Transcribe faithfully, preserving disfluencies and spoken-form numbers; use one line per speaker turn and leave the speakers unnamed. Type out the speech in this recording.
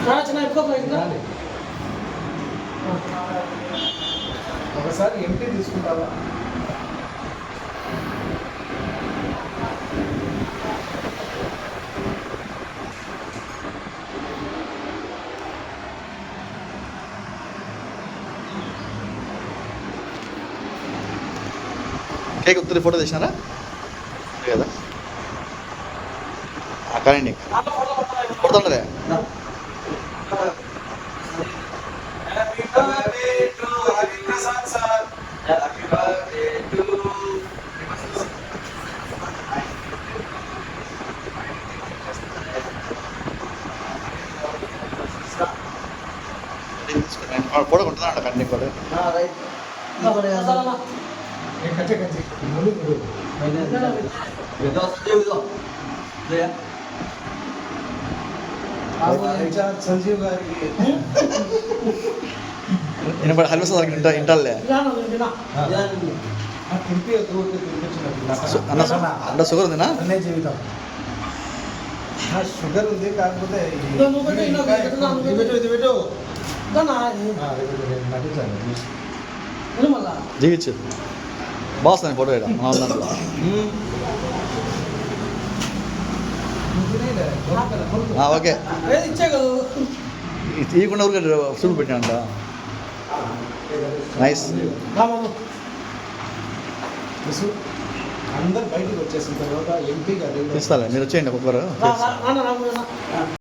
ఒకసారి ఎంపీ తీసుకుంటావా?
Cake ఉత్తరి photo తీసినారా కదా కానీ కొడుతుండదే ఫోటో కొంటున్నా కన్నీ కూడా
సంజీవ్ గారికి
వినపడి హల్వ సార్ ఇంట ఇంటాలే అన్న అన్న షుగర్ ఉందినా?
జీవితం షుగర్ ఉంది, కాకపోతే
జీవించు బాగుంది ఫోటో ఇక్కడ మన దాంట్లో ఓకే ఇవ్వకుండా ఊరికే చూపు పెట్టానంట నైస్.
అందరు బయటకు వచ్చేసిన తర్వాత ఎంపీ గారు
తీస్తాలే మీరు వచ్చేయండి ఒక్కొక్కరు.